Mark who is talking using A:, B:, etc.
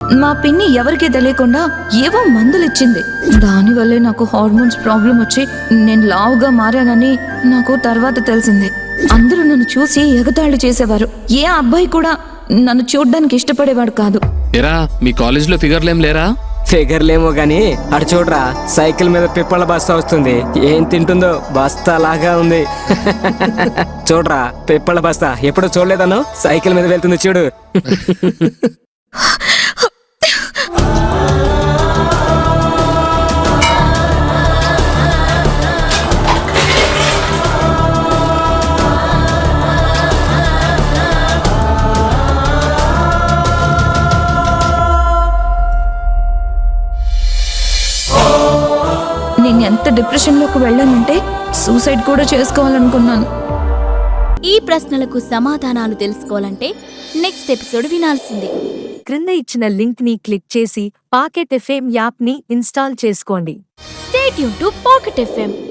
A: మా పిన్ని ఎవరికీ తెలియకుండా ఏవో మందులిచ్చింది. దానివల్లే నాకు హార్మోన్స్ ప్రాబ్లం వచ్చి నేను లావుగా మారానని నాకు తర్వాత తెలిసింది. అందరూ నన్ను చూసి ఎగతాళి చేసేవారు. ఏ అబ్బాయి కూడా నన్ను చూడ్డానికి ఇష్టపడేవాడు కాదు.
B: ఎరా మీ కాలేజీలో ఫిగర్లేం లేరా?
C: ఫిగర్లేమో గాని అటు చూడరా, సైకిల్ మీద పిప్పళ్ళ బస్తా వస్తుంది. ఏం తింటుందో బస్తా లాగా ఉంది. చూడరా పిప్పళ్ళ బస్తా, ఎప్పుడు చూడలేదను? సైకిల్ మీద వెళ్తుంది చూడు.
A: నేను ఎంత డిప్రెషన్లోకి వెళ్ళానంటే సూసైడ్ కూడా చేసుకోవాలనుకున్నాను.
D: ఈ ప్రశ్నలకు సమాధానాలు తెలుసుకోవాలంటే నెక్స్ట్ ఎపిసోడ్ వినాల్సిందే.
E: క్రింద ఇచ్చిన లింక్ ని క్లిక్ చేసి పాకెట్ ఎఫ్ఎం యాప్ ని ఇన్స్టాల్ చేసుకోండి.
D: Stay tune to pocket FM.